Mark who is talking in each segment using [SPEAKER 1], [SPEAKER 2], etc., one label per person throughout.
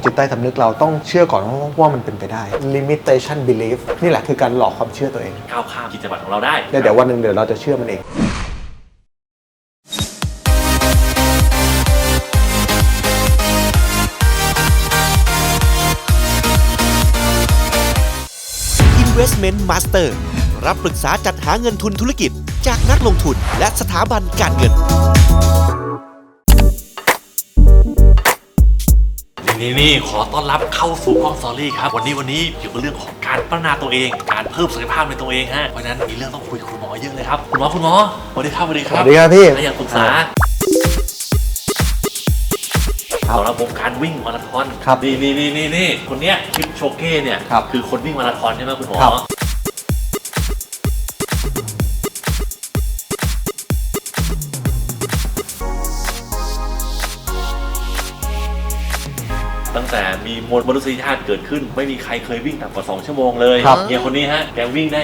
[SPEAKER 1] จิตใต้สำนึกเราต้องเชื่อก่อนว่ามันเป็นไปได้ limitation belief นี่แหละคือการหลอกความเชื่อตัวเอง
[SPEAKER 2] ก้าวข้ามขีดจำกัดของเราได้
[SPEAKER 1] เดี๋ยววันหนึ่งเดี๋ยวเราจะเชื่อมันเอง
[SPEAKER 3] Investment Master รับปรึกษาจัดหาเงินทุนธุรกิจจากนักลงทุนและสถาบันการเงิน
[SPEAKER 2] นี่ขอต้อนรับเข้าสู่กล้องสตอรี่ครับวันนี้เกี่ยวกับเรื่องของการพัฒนาตัวเองการเพิ่มศักยภาพในตัวเองฮะเพราะฉะนั้นมีเรื่องต้องคุยกับคุณหมอเยอะเลยครับคุณหมอสวัสดีครับ
[SPEAKER 1] สวัสดีครับพี่
[SPEAKER 2] อยากปรึกษาเอาละวงการวิ่งมาราธอนนี่คนเนี้ยคิปโชเก้เนี่ยคือคนวิ่งมาราธอนใช่ไหมคุณหมอตั้งแต่มีมนุษยชาติเกิดขึ้นไม่มีใครเคยวิ่งต่ำกว่า2ชั่วโมงเลยเนี่ยคนนี้ฮะแกวิ่งได้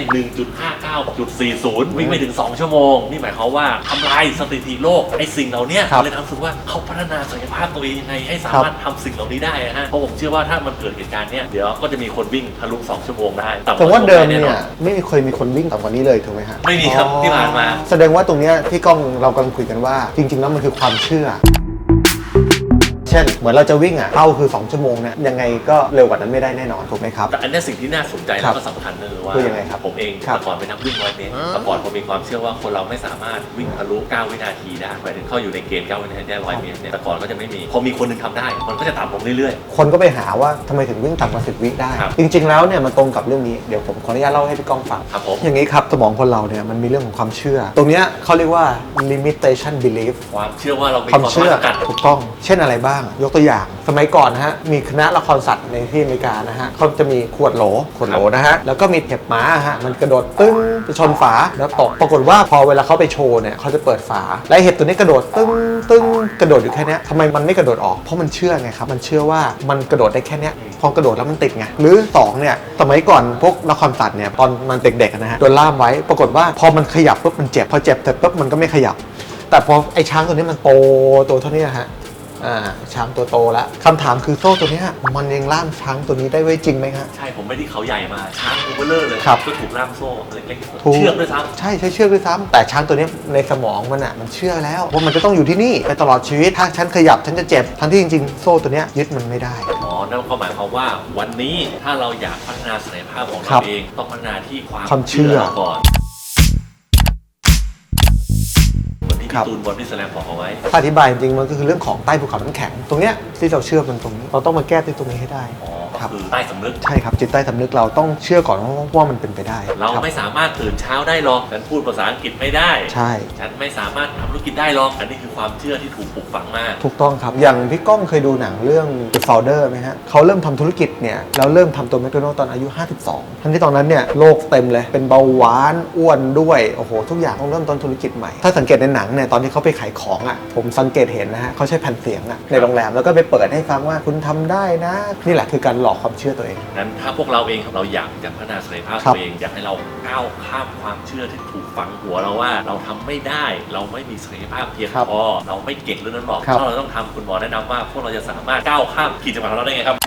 [SPEAKER 2] 1.59.40 วิ่งไม่ถึง2ชั่วโมงนี่หมายความว่าทำลายสถิติโลกไอ้สิ่งเหล่านี้เลยทำรู้สึกว่าเขาพัฒนาศักยภาพตัวเองยังไงให้สามารถทำสิ่งเหล่านี้ได้ฮะเพราะผมเชื่อว่าถ้ามันเกิดเหตุการณ์เนี้ยเดี๋ยวก็จะมีคนวิ่งทะลุ2ชั่วโมงได้
[SPEAKER 1] แต่ว่าเดิมเนี่ยไม่เคยมีคนวิ่งต่ำกว่านี้เลยถูกไหมฮะ
[SPEAKER 2] ไม่มีครับที่ผ่านมา
[SPEAKER 1] แสดงว่าตรงเนี้ยที่กล้องเรากำลังคุยกันว่าจริงๆแล้วมันคือความเชื่อเช่นเหมือนเราจะวิ่งเป้าคือ2ชั่วโมงเนี่ยยังไงก็เร็วกว่านั้นไม่ได้แน่นอนถูกไหมครับ
[SPEAKER 2] แต่อันนี้สิ่งที่น่าสนใจแล้วก็สำคัญเลยว่า
[SPEAKER 1] ยังไงครับ
[SPEAKER 2] ผมเองแต่ก่อนเป็นนักวิ่ง100 เมตรแต่ก่อนผมมีความเชื่อว่าคนเราไม่สามารถวิ่งทะลุ9วินาทีได้หมายถึงเข้าอยู่ในเกณฑ์9วินาทีได้100 เมตรเนี่ยแต่ก่อนก็จะไม่มีพอมีคนนึงทำได้มันก็จะต่ำลงเรื่อย
[SPEAKER 1] ๆคนก็ไปหาว่าทำไมถึงวิ่งต่ำกว่า10 วิได้จริงๆแล้วเนี่ยมันตรงกับเรื่องนี้เดี๋ยวผมขออนุญาตเล่าให้พี่ก้องฟัง
[SPEAKER 2] ครับผม
[SPEAKER 1] อย่างนี้ครับสมองคนเราเนี่ยมันมีเรื่องของความเชื่อตรงเนี้ยเขาเรียกว่า limitation belief
[SPEAKER 2] ความเชื่อว่าเรา
[SPEAKER 1] ความเชื่อถูกต้องเช่นอะไรบ้างยกตัวอย่างสมัยก่อนนะฮะมีคณะละครสัตว์ในที่อเมริกานะฮะเขาจะมีขวดโหลนะฮะแล้วก็มีเห็บม้าฮะมันกระโดดตึ้งไปชนฝาแล้วตกปรากฏว่าพอเวลาเขาไปโชว์เนี่ยเขาจะเปิดฝาและเห็บตัวนี้กระโดดตึ้งกระโดดอยู่แค่นี้ทำไมมันไม่กระโดดออกเพราะมันเชื่อไงครับมันเชื่อว่ามันกระโดดได้แค่นี้พอกระโดดแล้วมันติดไงหรือ2เนี่ยสมัยก่อนพวกละครสัตว์เนี่ยตอนมันเด็กๆนะฮะโดนล่ามไว้ปรากฏว่าพอมันขยับปุ๊บมันเจ็บพอเจ็บเสร็จปุ๊บมันก็ไม่ขยับแต่พอไอ้ช้างตัวนี้มันโตตัวเท่านี้ฮะช้างตัวโตแล้วคำถามคือโซ่ตัวนี้มันยังล่ามช้างตัวนี้ได้ไว้จริงไหมครับ
[SPEAKER 2] ใช่ผมไม่ได้เขาใหญ่มาช้างตัวเบลเลอร์เลยก็ถูกล่ามโซ่เล็กๆเชือกด้วยซ้ำ
[SPEAKER 1] ใช่เชือกด้วยซ้ำแต่ช้างตัวนี้ในสมองมันเชื่อแล้วว่ามันจะต้องอยู่ที่นี่ไปตลอดชีวิตถ้าฉันขยับฉันจะเจ็บทั้งที่จริงๆโซ่ตัวนี้ยึดมันไม่ได้
[SPEAKER 2] นั่นก็หมายความว่าวันนี้ถ้าเราอยากพัฒนาศักยภาพของเราเองต้องพัฒนาที่ความเชื่อก่อนพี่ตูนบอลพี่แสลมบอกเอาไว้
[SPEAKER 1] อธิบายจริงๆมันก็คือเรื่องของใต้ภูเขาน้ำแข็งตรงเนี้ยที่เราเชื่อมันตรงนี้เราต้องมาแก้ที่ตรงนี้ให้ได้
[SPEAKER 2] คือใต้สำนึก
[SPEAKER 1] ใช่ครับจิตใต้สำนึกเราต้องเชื่อก่อนว่ามันเป็นไปได้
[SPEAKER 2] เราไม่สามารถตื่นเช้าได้หรอกฉันพูดภาษาอังกฤษไม่ได้
[SPEAKER 1] ใช่
[SPEAKER 2] ฉันไม่สามารถทำธุรกิจได้หรอกอันนี้คือความเชื่อที่ถูกปลูกฝังมา
[SPEAKER 1] ถูกต้องครับอย่างพี่ก้องเคยดูหนังเรื่อง The Founder ไหมฮะเขาเริ่มทำธุรกิจเนี่ยแล้วเริ่มทำตัวแมคโดนัลด์ตอนอายุ52ทั้งที่ตอนนั้นเนี่ยโลกเต็มเลยเป็นเบาหวานอ้วนด้วยโอ้โหทุกอย่างต้องเริ่มต้นธุรกิจใหม่ถ้าสังเกตในหนังเนี่ยตอนที่เขาไปขายของผมสังเกตเห็นนะฮะเขาใช้แผ่นเสียงในโรงแรมแล้วก็ไปเปิดให้ฟังว่าคุณทำได้นะนี่แหละคือการหลอกความเชื่อตัวเอง
[SPEAKER 2] งั้นถ้าพวกเราเองเราอยากจะพัฒนาศักยภาพตัวเองอยากให้เราก้าวข้ามความเชื่อที่ถูกฝังหัวเราว่าเราทำไม่ได้เราไม่มีศักยภาพเพียงพอเราไม่เก่งเรื่องนั้นหรอกถ้าเราต้องทำคุณหมอแนะนำว่าพวกเราจะสามารถก้าวข้ามขีดจำกัดของเราได้ไงครับ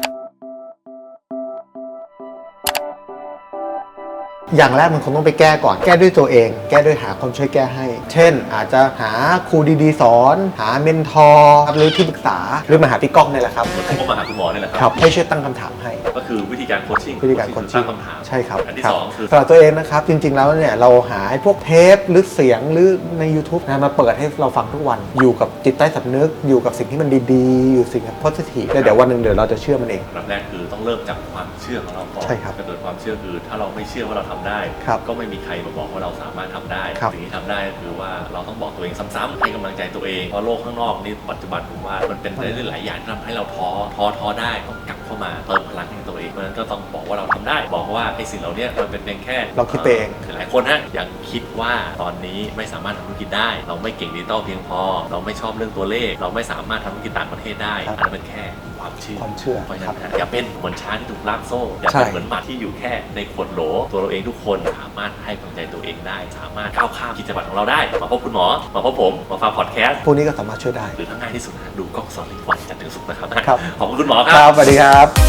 [SPEAKER 1] อย่างแรกมันคงต้องไปแก้ก่อนแก้ด้วยตัวเองแก้ด้วยหาคนช่วยแก้ให้เช่นอาจจะหาครูดีๆสอนหาเมนทอร์หรือที่ปรึกษาหรือมาหาพี่ก้องนี่แหละครับ
[SPEAKER 2] ผมก็มาหาคุณหมอนี่แหละ
[SPEAKER 1] ครับให้ช่วยตั้งคำถามให้
[SPEAKER 2] ก็คือวิธีการโคชชิ่ง
[SPEAKER 1] ตั้
[SPEAKER 2] งคำถาม
[SPEAKER 1] ใช่ครับ
[SPEAKER 2] อันที่2คือ
[SPEAKER 1] สำหรับตัวเองนะครับจริงๆแล้วเนี่ยเราหาพวกเทปหรือเสียงหรือใน YouTube มาเปิดให้เราฟังทุกวันอยู่กับจิตใต้สำนึกอยู่กับสิ่งที่มันดีๆอยู่สิ่งที่ positive แล้วเดี๋ยววันหนึ่งเดี๋ยวเราจะเชื่อมันเอง
[SPEAKER 2] แรกคือต้องเริ่มจากความเชื่อของเราก่อน
[SPEAKER 1] ใช่ครับ
[SPEAKER 2] กระโดดความเชื่อคือถ้าเราไม่เชื่อว่าเราทำได้ก็ไม่มีใครมาบอกว่าเราสามารถทำได้สิ่งที่ทำได้ก็คือว่าเราต้องบอกตัวเองซ้ำๆให้กำลังใจตัวเองเพราะโลกข้างนอกนี้ปัจจุบันผมว่ามันเป็นได้หลายอย่างที่ทำให้เราท้อได้ต้องกลับเข้ามาเติมพลังให้ตัวเองเพราะฉะนั้นก็ต้องบอกว่าเราทำได้บอกว่าไอ้สิ่งเหล่านี้มันเป็นเพียงแค่
[SPEAKER 1] เราคิดเอง
[SPEAKER 2] หลายคนยังคิดว่าตอนนี้ไม่สามารถทำธุรกิจได้เราไม่เก่งดิจิตอลเพียงพอเราไม่ชอบเรื่องตัวเลขเราไม่สามารถทำธุรกิจต่างประเทศได้อันนั้นเป็นแค่ควความเชื่อ
[SPEAKER 1] ความเชื่อ
[SPEAKER 2] เพราะฉะ
[SPEAKER 1] ครั
[SPEAKER 2] นั้
[SPEAKER 1] บ
[SPEAKER 2] นอย่าเป็นเหมือนช้างที่ถูกล่ามโซ่อย่า
[SPEAKER 1] ใช่
[SPEAKER 2] เป็นเหมือนหมาที่อยู่แค่ในขวดโหลตัวเราเองทุกคนสามารถให้กำลังใจตัวเองได้สามารถก้าวข้ามขีดจำกัดของเราได้มาพบคุณหมอมาพบผมมาฟังพอดแคสต์
[SPEAKER 1] พวกนี้ก็สามารถช่วยได้
[SPEAKER 2] หรือทั้งง่ายที่สุดนะดูกล้องสอนทุกวันจันทร์ถึงศุกร์นะครับ
[SPEAKER 1] ครับ
[SPEAKER 2] ขอบคุณคุณหมอค
[SPEAKER 1] ค
[SPEAKER 2] รั
[SPEAKER 1] รับ บสวัสดีครับ